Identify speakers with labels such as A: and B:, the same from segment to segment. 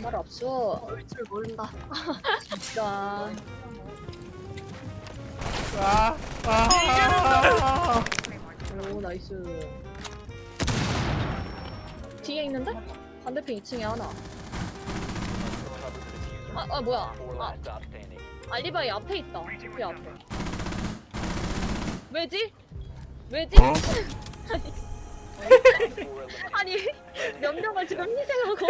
A: 말 없어.
B: 올 줄 모른다.
A: 진짜. 오 나이스. 뒤에 있는데? 반대편 2층에 하나. 뭐야? 알리바이 앞에 있다. 그 앞에. 왜지? 왜지? 아니 몇 명을 지금 희생하고.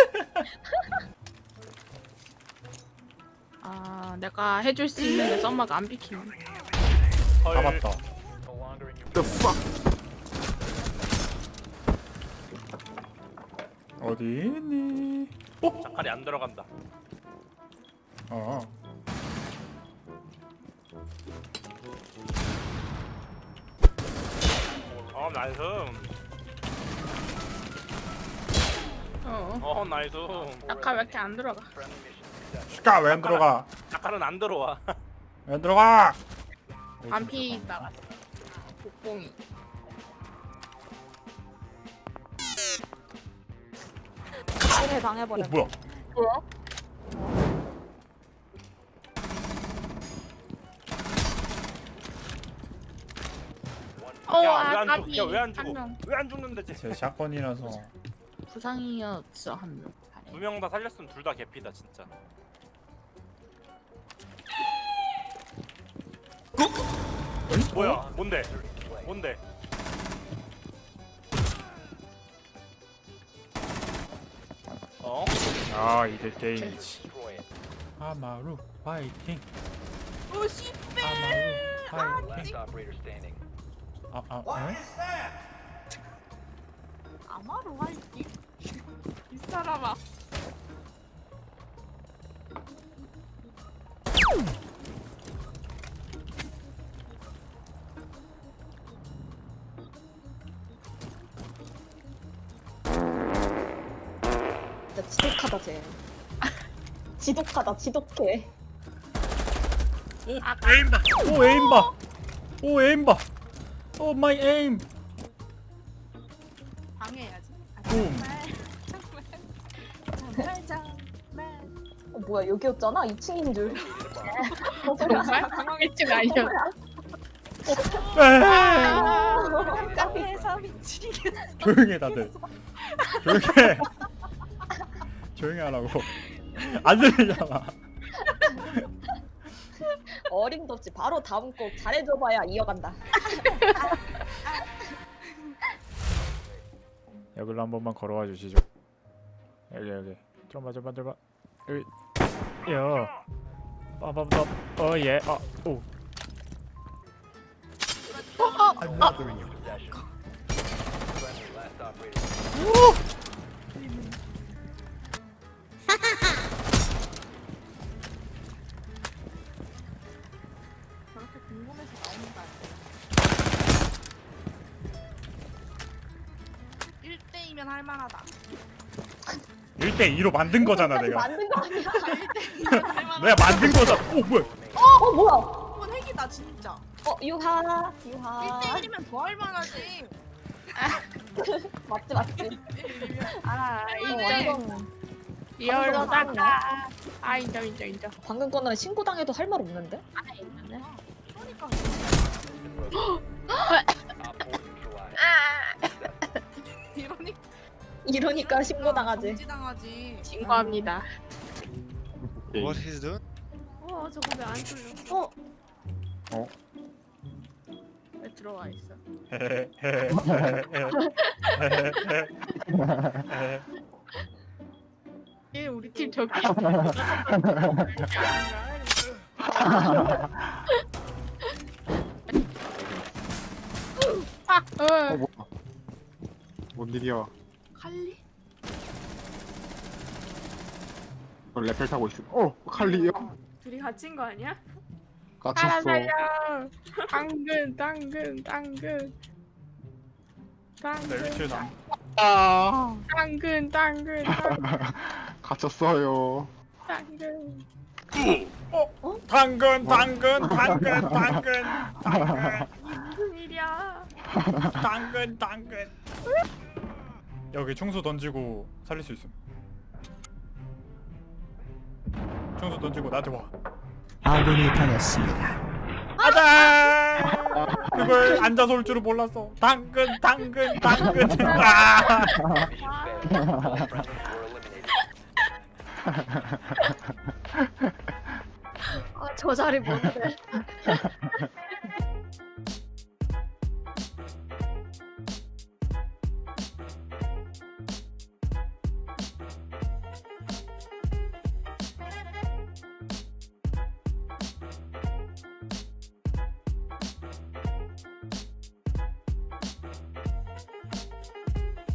B: 아, 내가 해줄 수 있는데 썸마가 안 비키네.
C: 잡았다.
D: The fuck?
C: 어디 있니? 어?
E: 자칼이 안 들어간다.
C: 어.
E: 나이스. 나이스.
B: 아까 왜 이렇게 안 들어가?
C: 슈가 왜 안 들어가?
E: 자칼은 안 들어와.
C: 왜 안 들어가?
B: 반피 나갔어. 복봉이.
A: 해 당해버려.
C: 뭐야?
A: 뭐야?
E: 야왜안 죽?
B: 아까비
E: 야왜안
B: 한
E: 죽어?
B: 명.
E: 왜 안 죽는데 쟤?
C: 제 샷건이라서.
B: 부상이었어 한 명.
E: 두 명 다 살렸으면 둘 다 개피다 진짜. 뭐야? 뭔데? 뭔데? 어?
C: 아 이게 게임이지. 아마루 파이팅.
B: 오 씨.
C: 아마루 파이팅. 에?
B: 아마로 할게. 이 사람아.
A: 진짜 지독하다 쟤. 지독하다 지독해.
C: 에임바. 오 에임바. 오 에임바. 오 마이 에임.
B: 방해해야지.
C: 붐.
A: 뭐야 여기였잖아? 2층인 줄.
B: 정말 당황했지가 아니야.
A: 깜짝해서
B: 미치겠어.
C: 조용해 다들. 조용해. 조용히 하라고. 안 들리잖아.
A: 어림도 없이 바로 다음 곡 잘해줘봐야 이어간다.
C: 여기로 한 번만 걸어와 주시죠. 여기. 좀만 들어봐. 여기. 야. 빠바바. 예. 오.
B: 저렇게 궁금해서 나오는 거 아니야? 1대2면 할만하다.
C: 1대2로 만든 거잖아 내가.
A: 만든 거 아니야?
C: 내가 만든 거잖아. 오 뭐야?
A: 뭐야?
B: 이건 핵이다 진짜.
A: 유하.
B: 1대1이면 더 할만하지.
A: 맞지.
B: 아
A: 완전
B: 리얼로다가. 아 인정.
A: 방금 거는 신고당해도 할 말 없는데?
B: 아 있는데. 그러니까.
A: 이러니까 신고당하지.
B: 정지당하지. 신고합니다.
D: What he's doing?
B: 저거 왜 안 뚫려?
C: 어?
B: 왜 들어와 있어? 얘 우리 팀 저기.
D: 뭐야? 뭔 일이야?
B: 칼리?
D: 너 레펠 타고 있어. 칼리요?
F: 둘이 갇힌 거 아니야?
D: 갇혔어.
B: 살려. 당근.
C: 내 위치에 남.
B: 당근.
D: 갇혔어요.
B: 당근.
C: 당근.
F: 무슨 일이야?
C: 당근. 여기 총수 던지고 살릴 수 있음. 뒤통수 던지고 나한테 와.
G: 아군이 당했습니다.
C: 아자! 그걸 앉아서 올 줄은 몰랐어. 당근. 아!
A: 아, 저 자리 뭔데?